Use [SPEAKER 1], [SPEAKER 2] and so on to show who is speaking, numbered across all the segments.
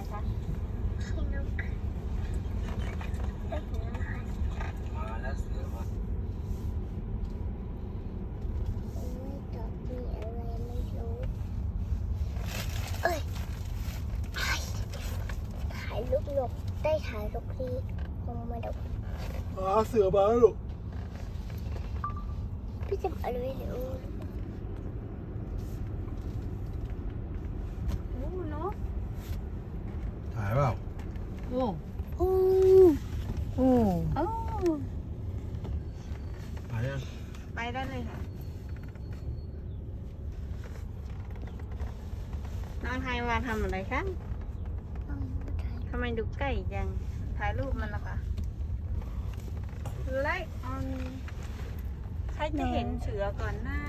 [SPEAKER 1] คะ
[SPEAKER 2] ขี้นกได้ถึงแล้วค่ะ
[SPEAKER 3] มาแล้วเสือมา
[SPEAKER 2] ไม่ตอบมีอะไรไม่รู้เอ้ยถ่ายรูปนกได้ถ่ายรูปที่คงมาดู
[SPEAKER 3] เสือมาแล้วลูก
[SPEAKER 2] พี่จะอะไรไม่รู้
[SPEAKER 1] โอ้เนาะ
[SPEAKER 3] ถ่ายเปล่า
[SPEAKER 1] โอ้
[SPEAKER 2] โอ้
[SPEAKER 1] โอ้โอ้
[SPEAKER 3] ถ่ายยัง
[SPEAKER 1] ไปได้เลยค่ะน้องไทยมาทำอะไรคะทำไมดูใกล้จังถ่ายรูปมันละคะไลค์ออนใครจะเห็นเสือก่อนหน้า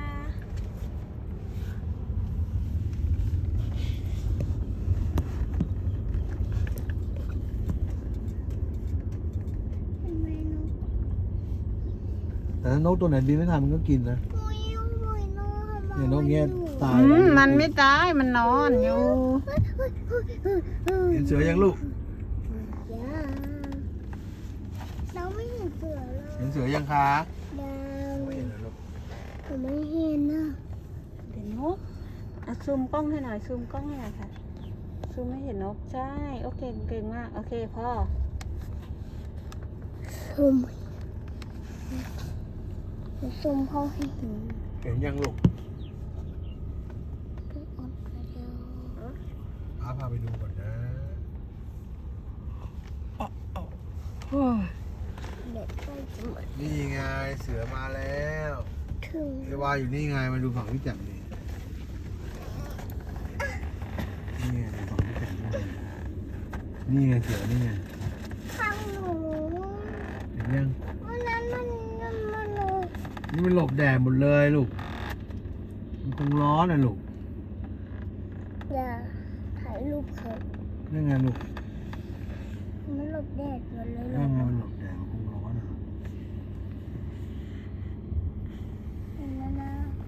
[SPEAKER 2] ทำไมนก
[SPEAKER 3] แต่ถ้านกตัวไหนบินไม่ทันมันก็กินนะ
[SPEAKER 2] มุยมุยนก
[SPEAKER 3] เนี่ยนกเงี้ยตาย
[SPEAKER 1] มันไม่ตายมันนอนอยู่
[SPEAKER 3] เห็นเสือยังลูก
[SPEAKER 2] ยังเราไม่เห็นเสือเลย
[SPEAKER 3] เห็นเสือยังคะ
[SPEAKER 2] ยัง
[SPEAKER 3] ไม่เห็นเหรอลูก
[SPEAKER 2] ผมไม่เห็นนะ
[SPEAKER 1] เห็นนกอ่ะซูมกล้องให้หน่อยซูมกล้องให้หน่อยค่ะซูมไม่เห็นนกใช่โอเคเก่งมากโอเคพ่อ
[SPEAKER 2] ซุ่มซุ่มเขาให้เห็น
[SPEAKER 3] เห็นยังลูก
[SPEAKER 2] ไปอดกระเดียว
[SPEAKER 3] พาไปดูก่อนนะ
[SPEAKER 2] เด็กใกล้จะหมด
[SPEAKER 3] นี่ไงเสือมาแล้ว
[SPEAKER 2] ถึง
[SPEAKER 3] เอวาอยู่นี่ไงมาดูฝั่งพี่แจ่มนี่นี่ไงดูฝั่งพี่แจ่มนี่ไงเสือนี่ไง
[SPEAKER 2] ข้างหนู
[SPEAKER 3] เห็นยัง
[SPEAKER 2] วันนั้นมัน
[SPEAKER 3] นี่มันหลบแดดหมดเลยลูกมันคงร้อนนะลูก
[SPEAKER 2] อย่าถ่ายรูปเขา
[SPEAKER 3] นี่ไงลูก
[SPEAKER 2] มันหลบแดดหมดเลย
[SPEAKER 3] นี่ไงมันหลบแดดมันคงร้อนอะ
[SPEAKER 2] เห็นแล้วนะ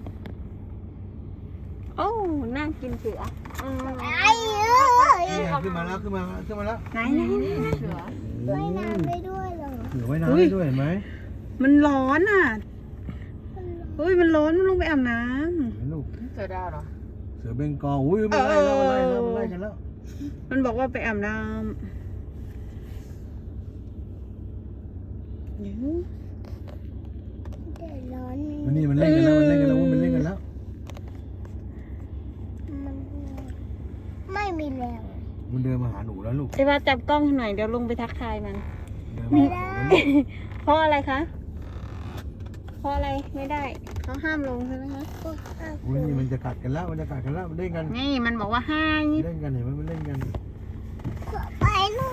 [SPEAKER 1] โอ้น่ากินเสืออืม
[SPEAKER 2] ไอ้เอ้ย
[SPEAKER 3] นี่ไงขึ้นมาแล้วขึ้นมาแล้ว
[SPEAKER 1] ไหนเสือ
[SPEAKER 2] ว่ายน้ำไปด้วยเหรอ
[SPEAKER 3] เสือว่ายน้ำได้ด้วยเห็นไหม
[SPEAKER 1] มันร้อนอ่ะเฮ้ยมันร้อนมันลงไปอาบน้
[SPEAKER 3] เห็นลูก
[SPEAKER 1] ำเสือดาวเหรอ
[SPEAKER 3] เสือเบงกอลอุ้ยมันไล่แล้วมันไล่แล้วมันไล่กันแล้ว
[SPEAKER 1] มันบอกว่าไปอาบน้ำเดี๋ยว
[SPEAKER 2] แดดร้อน
[SPEAKER 3] มันนี่มันเล่นกันแล้วมันเล่นกันแล้วมันเล่นกันแล้ว
[SPEAKER 2] มันไม่มีแรง
[SPEAKER 3] มันเดินมาหาหนูแล้วลูก
[SPEAKER 1] ไอ้ว่าจับกล้องหน่อยเดี๋ยวลงไปทักทายมัน
[SPEAKER 3] เดินมาหาหนูแล้วลูก
[SPEAKER 1] เพราะอะไรคะ เพราะอะไรไม่ได้เขาห้ามลงใช่ไหมคะ
[SPEAKER 3] อุ้ยนี่มันจะกัดกันแล้วมันจะกัดกันแล้วมันเล่นกัน
[SPEAKER 1] นี่มันบอกว่าห้าม
[SPEAKER 3] เล่นกันเห็นไหมมันเล่นกัน
[SPEAKER 2] ไปลูก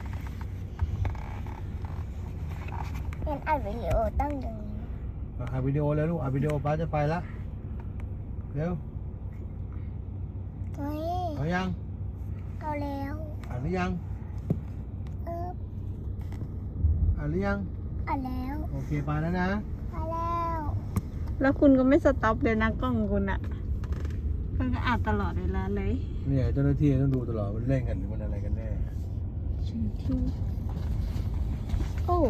[SPEAKER 2] เป็นอัดวิดีโอตั้งอย่างนี้
[SPEAKER 3] อัดวิดีโอแล้วลูกอัดวิดีโอป้าจะไปละเร็ว
[SPEAKER 2] เฮ้ย
[SPEAKER 3] เอายัง
[SPEAKER 2] เอาแล้ว
[SPEAKER 3] อ่านหรือยัง
[SPEAKER 2] เออ
[SPEAKER 3] อ่านหรือยัง
[SPEAKER 2] เอาแล้ว
[SPEAKER 3] โอเคไปแล้วนะ
[SPEAKER 2] เอาแล้ว
[SPEAKER 1] แล้วคุณก็ไม่สต็อปเลยนะกล้องคุณอะคุณก็อัดตลอดเวลาเลย
[SPEAKER 3] เนี่ยเจ้าหน้าที่ต้องดูตลอดมันเล่นกันหรือมันอะไรกันแน่
[SPEAKER 1] โอ้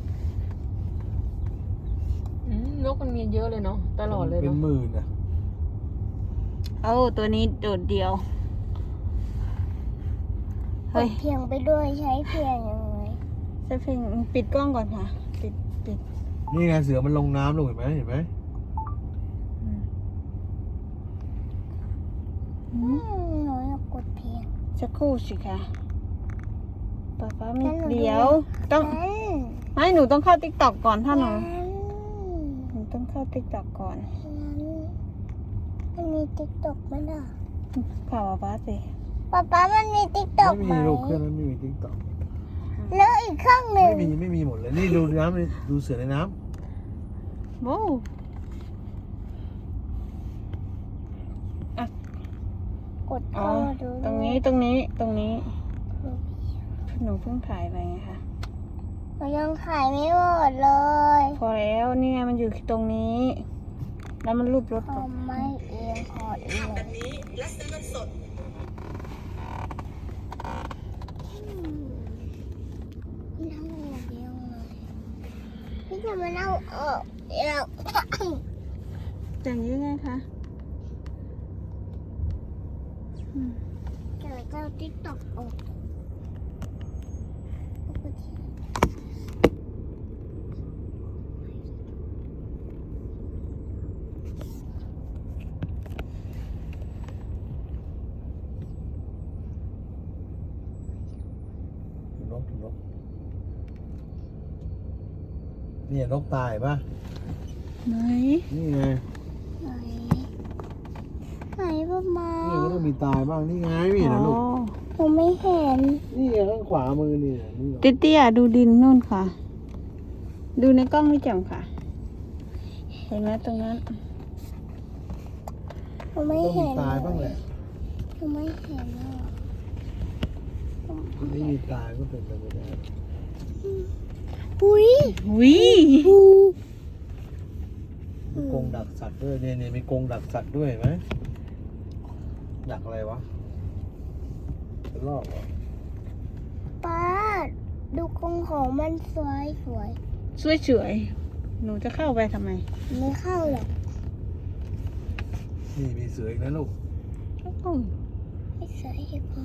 [SPEAKER 1] นกมันมีเยอะเลยเนาะตลอดเลย
[SPEAKER 3] เป็น
[SPEAKER 1] เนาะ
[SPEAKER 3] หมื่นอ่ะ
[SPEAKER 1] โอ้ตัวนี้โดดเดียว
[SPEAKER 2] ก
[SPEAKER 1] เฮ้ย
[SPEAKER 2] ดเพียงไปด้วยใช้เพียงยังไง
[SPEAKER 1] จะเพลงปิดกล้องก่อนค่ะ ปิด
[SPEAKER 3] นี่ไงเสือมันลงน้ำลูกเห็นไหม
[SPEAKER 1] อื
[SPEAKER 3] เห็นไหม
[SPEAKER 1] ม
[SPEAKER 2] หนูอยากกดเพียง
[SPEAKER 1] สักครู่สิคะป๊ามี
[SPEAKER 2] งั้นหนู
[SPEAKER 1] เดี๋ยว ต้อง
[SPEAKER 2] นั้น
[SPEAKER 1] ไม่หนูต้องเข้าติ๊กต็อกก่อนถ้าหนู
[SPEAKER 2] นั้น
[SPEAKER 1] หนูต้องเข้าติ๊กต็อกก่อน
[SPEAKER 2] มันมีติ๊กต็อกไหมล่ะ
[SPEAKER 1] ข่าวป๊าสิ
[SPEAKER 2] ป๊ามันมีติ๊กต็อก
[SPEAKER 3] ไม่
[SPEAKER 2] ไหม
[SPEAKER 3] มีลูกเครื่องนั้นไม่มีติ๊กต็อก
[SPEAKER 2] แล้วอีกเครื่องหนึ่ง
[SPEAKER 3] ไม่มีหมดเลยนี่ดูน้ำดูเสือในน้
[SPEAKER 1] โว้
[SPEAKER 2] กด
[SPEAKER 1] อ๋อ
[SPEAKER 2] เข้ามาดู
[SPEAKER 1] ตรงนี้หนูเพิ่งถ่ายไปไงคะ
[SPEAKER 2] หนูยังถ่ายไม่หมดเลย
[SPEAKER 1] พอแล้วนี่ไงมันอยู่ตรงนี้ แล้วมันรูปรถ
[SPEAKER 2] ทำไม่เองขอเอง
[SPEAKER 4] แบบนี้และซื้อเงินสด
[SPEAKER 2] มันทำอะไรเดียวเลยพี่จะมาเล่าออกแล้ว
[SPEAKER 1] อย่างนี้ไงคะอืม
[SPEAKER 2] เดี๋ยวจะเอาติ๊กต็อกออก
[SPEAKER 3] นกเนี่ยนกตายปะ
[SPEAKER 1] ไหน
[SPEAKER 3] นี่ไง
[SPEAKER 2] ไหนไหนประมา
[SPEAKER 3] นี่ก็ต้องมีตายบ้างนี่ไงไม่เห็นนะลูก
[SPEAKER 2] ผมไม่เห็น
[SPEAKER 3] นี่ไงข้างขวามือนี่นี่
[SPEAKER 1] เตี้ยๆดูดินนู่นค่ะ ดูในกล้องไม่แจ่มค่ะ เห็นไหมตรงนั้น
[SPEAKER 2] ผมไม่
[SPEAKER 3] ต้องมี
[SPEAKER 2] เห็น
[SPEAKER 3] ตายบ้างแหละ
[SPEAKER 2] ผมไม่เห็นอ่ะ
[SPEAKER 3] ไม่มีตายก็เป็นไปไม่ได้
[SPEAKER 2] อุ้ย
[SPEAKER 1] วิ
[SPEAKER 2] หู
[SPEAKER 3] มีกรงดักสัตว์ด้วยเนี่ยมีกรงดักสัตว์ด้วยเห็นไหมดักอะไรวะเป็นลอกเหรอ
[SPEAKER 2] ป้าดูกรงของมันสวย
[SPEAKER 1] สวยๆหนูจะเข้าไปทำไม
[SPEAKER 2] ไม่เข้าหรอก
[SPEAKER 3] นี่มีเสืออีกนะลูก
[SPEAKER 1] อืม
[SPEAKER 2] ไม่สวยดีกว่า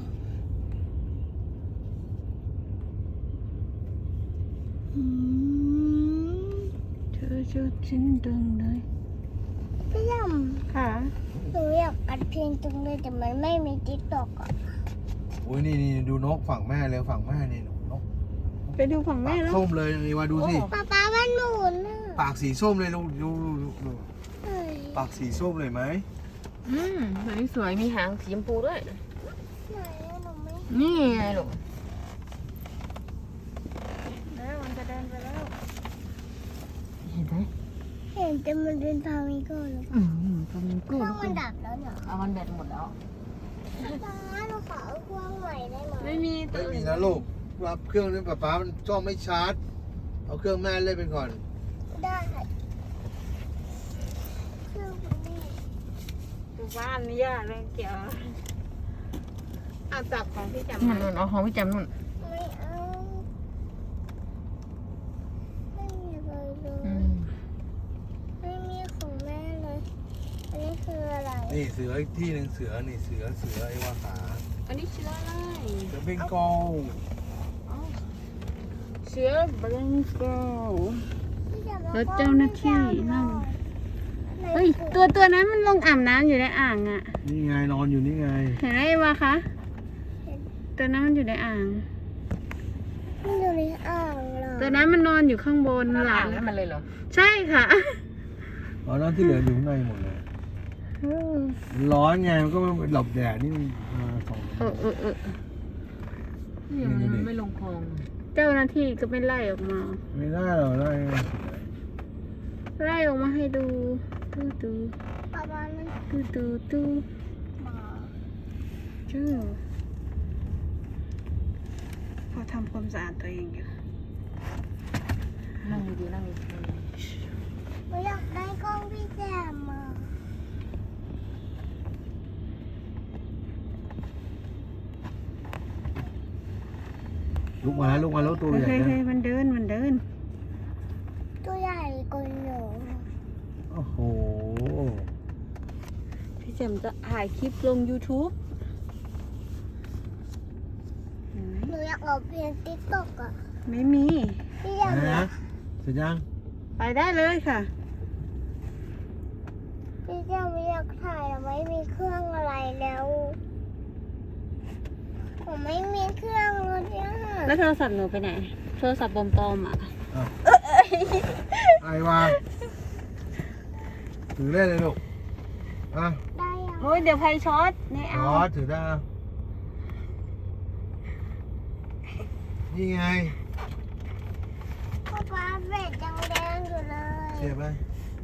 [SPEAKER 2] อืม
[SPEAKER 1] เธอจะชิ้นดึงเลย
[SPEAKER 2] พี่ย
[SPEAKER 1] ค่ะ
[SPEAKER 2] ำหนูอยากอัดเพลงจังเลยแต่มันไม่มีติ๊กต็อกอ่ะ
[SPEAKER 3] อุ้ยนี่ดูนกฝั่งแม่เลยฝั่งแม่นี่นก
[SPEAKER 1] ไปดูฝั่งแม่
[SPEAKER 3] ปาก
[SPEAKER 1] แล้ว
[SPEAKER 3] ส้มเลยนี่ว่าดูสิ
[SPEAKER 2] ป๊ามันหมุนอ่ะ
[SPEAKER 3] ปากสีส้มเลยลูกดู
[SPEAKER 2] เฮ้ย
[SPEAKER 3] ปากสีส้มเลยไหม
[SPEAKER 4] ตัวนี้สวยมีหางสีชมพูด้วย
[SPEAKER 2] ไหนอะหนูไม่
[SPEAKER 4] นี่ไงลูก
[SPEAKER 1] แล้วมันจะเดินไปแล้ว
[SPEAKER 4] เห็นไหม
[SPEAKER 2] เห็นแต่มันเป็นพามิโก้หรือเปล่า
[SPEAKER 4] ตัวมัน
[SPEAKER 2] เค
[SPEAKER 4] กู้
[SPEAKER 2] รื่องมันดับแล้วเหรอ
[SPEAKER 4] เอามันแบตหมดแล้ว
[SPEAKER 2] ป๊าหนูขอเอาเครื่องใหม่ได้ไหม
[SPEAKER 1] ไม่มีตั
[SPEAKER 3] ไม่
[SPEAKER 1] ว
[SPEAKER 3] มีนะลูกว่าเครื่องนี้ป๊ามันจ้องไม่ชาร์จเอาเครื่องแม่เล่นไปก่อน
[SPEAKER 2] ได้เครื่องมันนี่
[SPEAKER 1] ดูบ้านนี่ยากเลยเกี่ยวเอาจับของพี่จำ
[SPEAKER 4] มันนู่นเอาของพี่จำนู่น
[SPEAKER 2] ไม่เอาไม่มีอะไรเลย ไม่มีของแม่เลย อันนี้คืออะไร
[SPEAKER 3] นี่เสืออีกที่หนึ่งเสือนี่เสือไอ้ว่าขา
[SPEAKER 1] อันนี้เชื้ออะไร
[SPEAKER 3] เสือเบงกอล
[SPEAKER 1] เชื้อเบงกอล
[SPEAKER 2] พี่จะม
[SPEAKER 1] แล้วเจ้าหน้าที่นั่น เฮ้ยตัวนั้นมันลงอาบน้ำอยู่ในอ่างอ่ะ
[SPEAKER 3] นี่ไงนอนอยู่นี่ไง
[SPEAKER 1] เห็นไหมวะคะตัวนั้นมันอยู่ในอ่าง
[SPEAKER 2] มันอยู่ในอ่างเหรอ
[SPEAKER 1] ตัวนั้นมันนอนอยู่ข้างบน
[SPEAKER 4] มัน
[SPEAKER 1] ห
[SPEAKER 4] ห
[SPEAKER 1] ลั
[SPEAKER 4] ลั
[SPEAKER 1] ง
[SPEAKER 4] งให้มันเลยเหรอ
[SPEAKER 1] ใช่ค่ะ
[SPEAKER 3] อ๋อนั่นที่เหลืออยู่ข้างในหมดเลยมันร้อนไงมันก็ไม่หลบแดดนี่มันมาส่อง
[SPEAKER 4] นี่มันไม่ลงคลอง
[SPEAKER 1] เจ้าหน้าที่ก็ไม่ไล่ออกมา
[SPEAKER 3] ไม่ได้หรอกได้
[SPEAKER 1] ไล่ออกมาให้ดูดู
[SPEAKER 2] ประมาณนั้น
[SPEAKER 1] ดู
[SPEAKER 2] หมา
[SPEAKER 1] ชื่อพอทำความสะอาดตัวเองอยู่
[SPEAKER 4] นั่งดีๆนั่งดี
[SPEAKER 2] หนูอยากได้กล้องพี่แจมมา
[SPEAKER 3] ลุกมาแล้วตัวใหญ่
[SPEAKER 1] เฮ้ย
[SPEAKER 3] นะ
[SPEAKER 1] มันเดิน
[SPEAKER 2] ตัวใหญ่กว่าหนู
[SPEAKER 3] โอ้โห
[SPEAKER 1] พี่แจมจะถ่ายคลิปลง YouTube เห็นไหม
[SPEAKER 2] หนูอยากเอาเพลงติ๊กต็อกอ่ะ
[SPEAKER 1] ไม่มี
[SPEAKER 2] พี่แจม
[SPEAKER 3] อะไรนะเสร็จยัง
[SPEAKER 1] ไปได้เลยค่ะ
[SPEAKER 2] พี่แจมไม่อยากถ่ายแต่ไม่มีเครื่องอะไรแล้วผมไม่มีเครื่องเลยเนี่ย
[SPEAKER 1] แล้วโทรศัพท์หนูไปไหน โทรศัพท์ปลอมๆอ่ะ
[SPEAKER 3] ไอ้วาถือได้เลยลูกอ่ะ
[SPEAKER 2] ได้ยัง
[SPEAKER 1] โอ้ยเดี๋ยวไฟช็อตนี่
[SPEAKER 3] อ๋
[SPEAKER 1] เอา
[SPEAKER 3] อถือได้อ่ะนี่ไง
[SPEAKER 2] ป๊าเบ็ดยังแดงอยู่เลย
[SPEAKER 3] เสียบไหม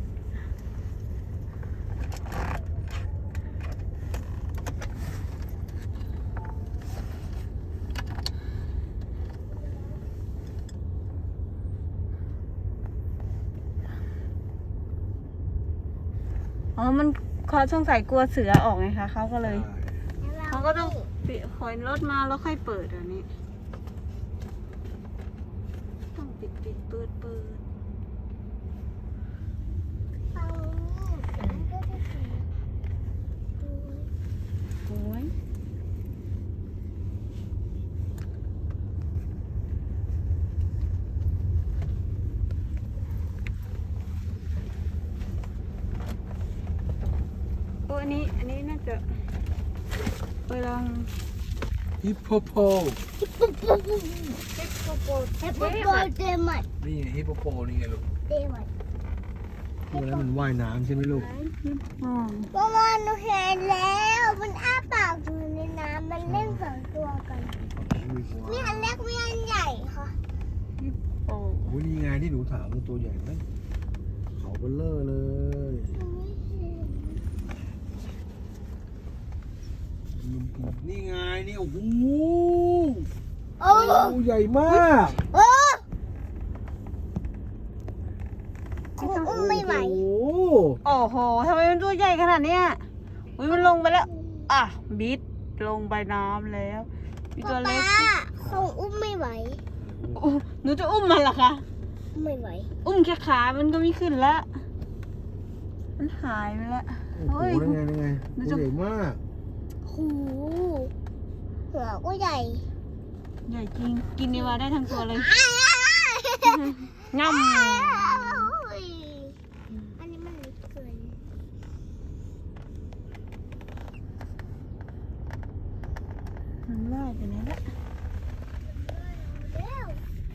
[SPEAKER 1] อ๋อ มันเขาสงสัยกลัวเสือออกไงคะเขาก็เลย เขาก็ต้องถอยรถมาแล้วค่อยเปิดอันนี้
[SPEAKER 3] ใ
[SPEAKER 1] ปิดเปิด
[SPEAKER 2] ฟังนี่มันก็จะถึงดู
[SPEAKER 1] โอ้ยโอ้อันนี้น่าจะไปลอง
[SPEAKER 3] ฮิปโปโป
[SPEAKER 2] เฮปโปโปเดมัด
[SPEAKER 3] นี่ไงฮิปโปโปนี่ไงลูก
[SPEAKER 2] เดมัด
[SPEAKER 3] ตัวนั้นมันว่ายน้ำใช่ไหมลูก
[SPEAKER 1] อ๋อ
[SPEAKER 2] เมื่อวานหนูเห็นแล้วมันอ้าปากอยู่ในน้ำมันเล่นสองตัวกันมีอันเล็กมีอันใหญ่ค่ะ
[SPEAKER 1] โอ้
[SPEAKER 3] โอ้ยนี่ไงที่หนูถามมันตัวใหญ่ไหมเขาเบลเลอร์เลย
[SPEAKER 2] หนูไม่เห็น
[SPEAKER 3] นี่ไงนี่โอ้โห
[SPEAKER 2] โอ้
[SPEAKER 3] ตัวใหญ่มาก
[SPEAKER 2] โอ้คงอุ้มไม่ไหว
[SPEAKER 3] โอ้โห
[SPEAKER 1] โอ้โหทำไมมันตัวใหญ่ขนาดเนี้ยอุ้ยมันลงไปแล้ว อ่ะ บิดลงไปน้ำแล้วมีตัวเล็ก
[SPEAKER 2] ป๊าคงอุ้มไม่ไหว
[SPEAKER 1] อู้หนูจะอุ้มมันเหรอคะ
[SPEAKER 2] ไม่ไหว
[SPEAKER 1] อุ้มแค่ขามันก็ไม่ขึ้นแล้ว มันหายไปแล้ว
[SPEAKER 3] โอ้โหนั่นไงตัวใหญ่มาก
[SPEAKER 2] หูหัวก็ใหญ่
[SPEAKER 1] ใหญ่จริง กินเนวาได้ทั้งตัวเลย ง่
[SPEAKER 2] อันนี้มันเล็กเกิน
[SPEAKER 1] ำมันว่ายไปไหนละ
[SPEAKER 2] เร็ว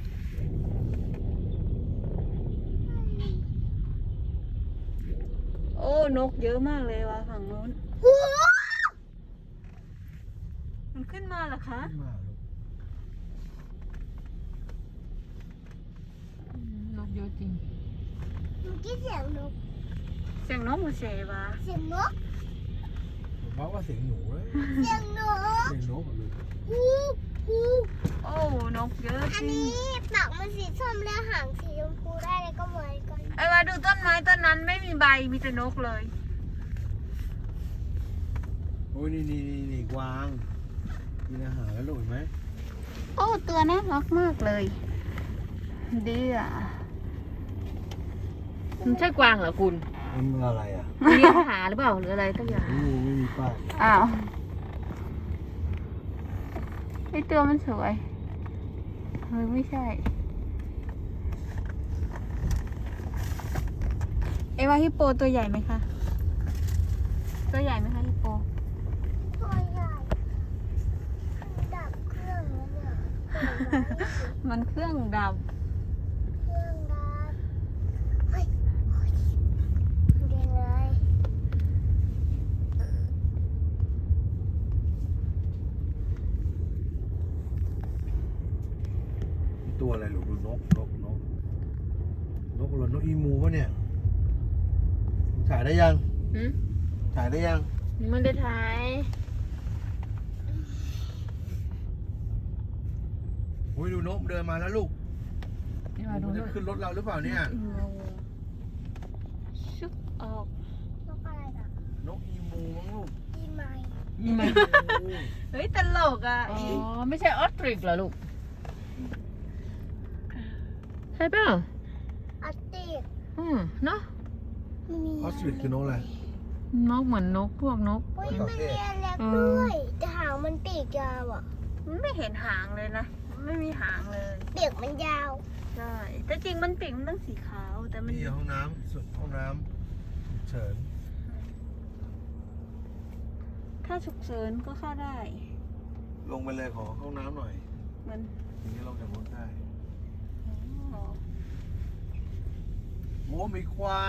[SPEAKER 1] โอ้นกเยอะมากเลยว่ะฝั่งโน้น
[SPEAKER 2] หู
[SPEAKER 1] มันขึ้นมาเหรอคะ
[SPEAKER 3] ขึ้นมาลูก
[SPEAKER 4] นกเยอะจริง
[SPEAKER 2] เมื่อกี้เสียงนก
[SPEAKER 1] เสียงนกมันเสวะ
[SPEAKER 2] เสียงนก
[SPEAKER 3] ผมว่าเสียงหนูนะ
[SPEAKER 2] เสียงนก
[SPEAKER 3] เสียงนกอะลูก
[SPEAKER 2] หูหู
[SPEAKER 1] โอ้นกเยอะ
[SPEAKER 2] อั
[SPEAKER 1] จ
[SPEAKER 2] น
[SPEAKER 1] ริง
[SPEAKER 2] นี้ปากมันสีส้มแล้วหางสีชมพูได้เลยก็เหมือนกัน
[SPEAKER 1] ไอ้ว่าดูต้นไม้ต้นนั้นไม่มีใบมีแต่นกเลย
[SPEAKER 3] โอ้ยนี่กวางกินอาหารแล้วลูกเห็นไหม
[SPEAKER 1] โอ้ตัวน่ารักมากเลยดีอ่ะ
[SPEAKER 4] มันใช่กวางเหรอคุณ
[SPEAKER 3] มันอะไรอ่ะ
[SPEAKER 4] เลี้ยงหาหรือเปล่าหรืออะไรสักอย่าง
[SPEAKER 3] ไม่มีป้าย
[SPEAKER 1] อ้าวไอตัวมันสวยเฮ้ยไม่ใช่ไอว่าฮิปโปตัวใหญ่ไหมคะตัวใหญ่ไหมคะฮิปโป
[SPEAKER 2] ตัวใหญ่ดับเครื่องแล้วเนี่ย
[SPEAKER 1] มันเครื่องดับ
[SPEAKER 2] เครื่องดับเฮ้ยเดินเลย
[SPEAKER 3] ตัวอะไรลูกดูนกอะไรนกอีมูวะเนี่ยถ่ายได้ยัง
[SPEAKER 4] หืม
[SPEAKER 3] ถ่ายได้ยัง
[SPEAKER 4] มันได้ถ่าย
[SPEAKER 3] โอ้ยดูนกเดินมาแล้วลูก
[SPEAKER 4] นี่มา
[SPEAKER 3] มัน
[SPEAKER 4] ดู
[SPEAKER 3] จะ
[SPEAKER 4] นู่น
[SPEAKER 3] ขึ้นรถเราหรือเปล่าเนี่ย
[SPEAKER 1] ชุกออก
[SPEAKER 2] นกอะไรน่ะ
[SPEAKER 3] นกอีมูมั้งลูก
[SPEAKER 2] อีไม้
[SPEAKER 3] อีมู
[SPEAKER 1] เฮ้ยตลกอ่ะ
[SPEAKER 4] อ๋อ ไม่ใช่ออสตริกเหรอลูก ใช่เปล่า
[SPEAKER 2] อาติก
[SPEAKER 4] เนาะ
[SPEAKER 2] มี
[SPEAKER 3] ออสตริชคือนกอะไร
[SPEAKER 4] นกเหมือนนกพวกนก
[SPEAKER 2] อุ้ยมันมีอันเล็กด้วยแต่หางมันปีกยาวอ่ะ
[SPEAKER 1] มันไม่เห็นหางเลยนะ ไม่มีหางเลย
[SPEAKER 2] ปีกมันยาว
[SPEAKER 1] ใช่แต่จริงมันปีกมันต้องสีขาวแต่มัน
[SPEAKER 3] นี่ห้องน้ำสุดห้องน้ำฉุกเฉิน
[SPEAKER 1] ถ้าฉุกเฉินก็เข้าได้
[SPEAKER 3] ลงไปเลยขอห้องน้ำหน่อย
[SPEAKER 1] มัน
[SPEAKER 3] ทีนี้ลงจากรถได้
[SPEAKER 1] อ๋อ
[SPEAKER 3] โอ้มีควาย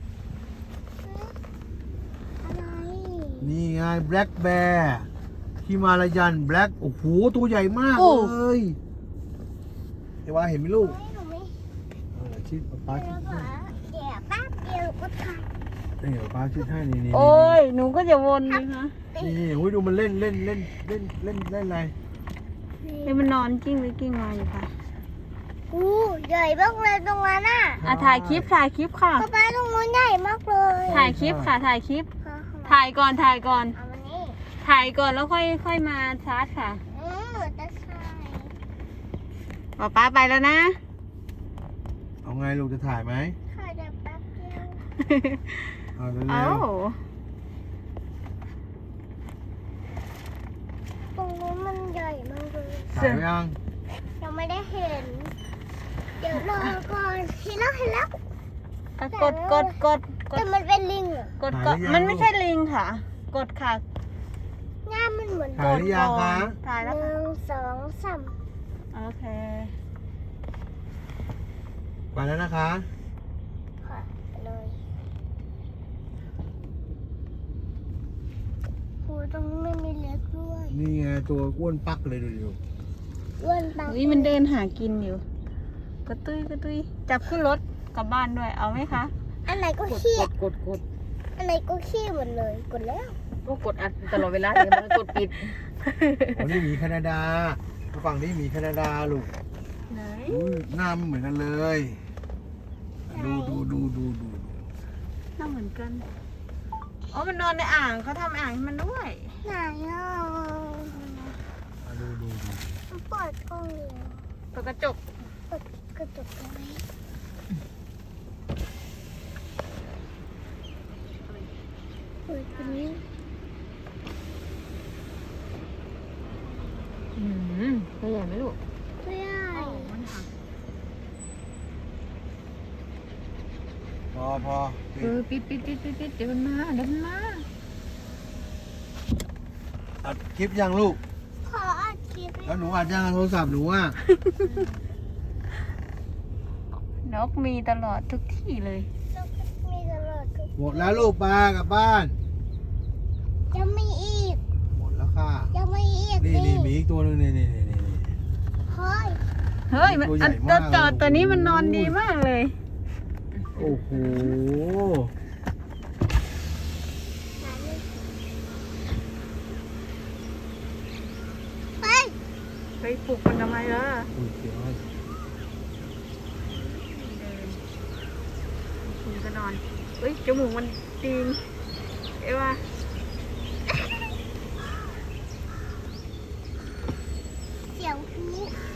[SPEAKER 2] อะไร
[SPEAKER 3] นี่ไงแบล็กแบร์ฮิมาลายันแบล็กโอ้โหตัวใหญ่มากเลยไอ้วาเห็นไหมลูก
[SPEAKER 2] เฮ้ยหนูไม่
[SPEAKER 3] ชิดป้าชิ
[SPEAKER 2] แล้
[SPEAKER 3] ด
[SPEAKER 2] วก็
[SPEAKER 3] ให้
[SPEAKER 2] เดี๋ยวแป๊บเดียวก็ถ่าย
[SPEAKER 3] นี่ป้าชิดให้นี่
[SPEAKER 1] โอ้ยหนูก็จะวนเลยคะ
[SPEAKER 3] นี่โอ้ยดูมันเล่นอะไร
[SPEAKER 1] เฮ้ยมันนอนกิ้งหรือกิ้งมาอยู่ค่ะ
[SPEAKER 2] อู้ใหญ่มากเลยตรงนั้นน่ะ
[SPEAKER 1] ถ่ายคลิปค่ะ
[SPEAKER 2] ป๊าตรงนู้นใหญ่มากเลย
[SPEAKER 1] ถ่ายคลิปค่ะ ถ่ายคลิป
[SPEAKER 2] ค่ะ
[SPEAKER 1] ถ่ายก่อน
[SPEAKER 2] เอามานี่
[SPEAKER 1] ถ่ายก่อนแล้วค่อยมาชาร์จค่ะ
[SPEAKER 2] จะใช่
[SPEAKER 1] ป๊าไปแล้วนะ
[SPEAKER 3] เอาไงลูกจะถ่ายไหม
[SPEAKER 2] ถ่ายแต่แป๊บเดียว
[SPEAKER 3] เอาเร็
[SPEAKER 1] เอ้าว
[SPEAKER 2] ตรงนู้นมันใหญ่มากเลย
[SPEAKER 3] ๆถ่ายไว้ยัง
[SPEAKER 2] ยังไม่ได้เห็น เดี๋ยวรอก่อนเห็นแล้วเห็นแล้ว
[SPEAKER 1] อ่ะกดกดกดก
[SPEAKER 2] แต่
[SPEAKER 1] ด
[SPEAKER 2] มันเป็นลิงเหรอก
[SPEAKER 1] ดกดมันไม่ใช่ลิงค่ะ กดค่ะ
[SPEAKER 2] หน้ามันเหมือน
[SPEAKER 3] ถ่ายหรือยังคะ
[SPEAKER 1] ถ่าย
[SPEAKER 2] ห
[SPEAKER 1] แล้วค่ะ
[SPEAKER 2] นึ่งสองสาม
[SPEAKER 1] โอเค
[SPEAKER 3] ไปแล้วนะคะ
[SPEAKER 2] ค่ะเลยโหตรงนี้ไม่มีเล็กด้วย
[SPEAKER 3] นี่ไงตัวอ้วนปักเลยดูดิ
[SPEAKER 2] อ้วนปัง
[SPEAKER 1] อุ้ยมันเดินหากินอยู่ กระตุ้ยกระตุ้ยจับขึ้นรถกลับบ้านด้วย เอาไหมคะ
[SPEAKER 2] อันไหนก็
[SPEAKER 4] กด
[SPEAKER 2] ขี้
[SPEAKER 4] กด
[SPEAKER 2] อันไหนก็ขี้หมดเลย กดแล้ว
[SPEAKER 4] ก็กดอัดตลอดเวลาเลยมันกดปิด
[SPEAKER 3] อ๋อนี่หมีแคนาดาฝั่งนี้หมีแคนาดาลูก
[SPEAKER 1] ไหน
[SPEAKER 3] อุ้ยหน้ามันเหมือนกันเลยดู
[SPEAKER 1] น่าเหมือนกัน อ๋อ มันนอนในอ่างเขาทำอ่างให้มันด้วย
[SPEAKER 2] ไหนอ่ะ
[SPEAKER 3] ดู
[SPEAKER 2] มันเปิดกล้องเลย
[SPEAKER 1] เปิดกระจก
[SPEAKER 2] เปิดกระจกตรงนี้เปิดตรงนี้
[SPEAKER 4] ตัวใหญ่ไหมลูก
[SPEAKER 2] ไม่ได้
[SPEAKER 3] พอ
[SPEAKER 4] ปิดเดี๋ยวมันมา
[SPEAKER 3] อัดคลิปยังลูก
[SPEAKER 2] ขออัดคลิป
[SPEAKER 3] แล้วหนูอัดยังโทรศัพท์หนูอ่ะ
[SPEAKER 1] นกมีตลอดทุกที่เลย
[SPEAKER 2] แล้วก็มีตลอดทุก
[SPEAKER 3] หมดแล้วลูกปลากลับบ้าน
[SPEAKER 2] ยังไม่อีก
[SPEAKER 3] หมดแล้วค่ะ
[SPEAKER 2] ยังไม่อีก
[SPEAKER 3] นี่หมีอีกตัวหนึงนี่
[SPEAKER 2] เฮ้ย
[SPEAKER 1] เฮ้ย มัน
[SPEAKER 3] ตัวใหญ่
[SPEAKER 1] อัน
[SPEAKER 3] มาก
[SPEAKER 1] จอดตัวนี้มันนอนดีมากเลย
[SPEAKER 3] โอ้โห
[SPEAKER 2] เฮ้ย
[SPEAKER 1] ไปปลุกมันทำไมล่ะ
[SPEAKER 3] อุ้ยเสียว
[SPEAKER 1] คุณก็นอนเฮ้ย จมูกมันตีงเอ้ว่า
[SPEAKER 2] เสียงพลุ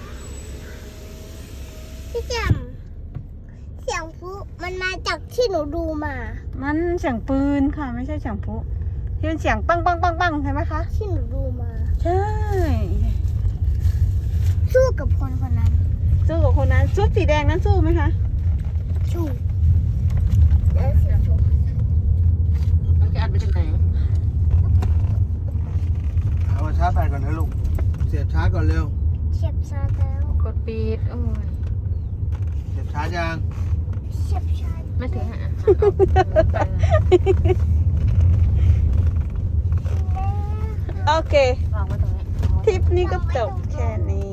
[SPEAKER 2] พี่แจมเสียงพลุมันมาจากที่หนูดูมา
[SPEAKER 1] มันเสียงปืนค่ะ ไม่ใช่เสียงพลุที่มันเสียงปังปังปังปังใช่ไหมคะ
[SPEAKER 2] ที่หนูดูมา
[SPEAKER 1] ใช่
[SPEAKER 2] สู้กับคนคนนั้น
[SPEAKER 1] สู้กับคนนั้นชุดสีแดงนั้นสู้ไหมคะ
[SPEAKER 2] สู้แล้วเสียงพลุ
[SPEAKER 4] มันจะอัดไปถึงไหน
[SPEAKER 3] เอามาชาร์จแบตก่อนนะลูก เสียบชาร์จก่อนเร็ว
[SPEAKER 2] เฉียบชาร์จแล้ว
[SPEAKER 4] กดปิด โอ้ย
[SPEAKER 3] เสียบชาร์จยัง
[SPEAKER 2] เฉียบชาร์จ
[SPEAKER 4] ไม่ถึงอ่ะ
[SPEAKER 1] โอเค
[SPEAKER 4] วางไว้ตรงนี้
[SPEAKER 1] ทริปนี้ก็จบแค่นี้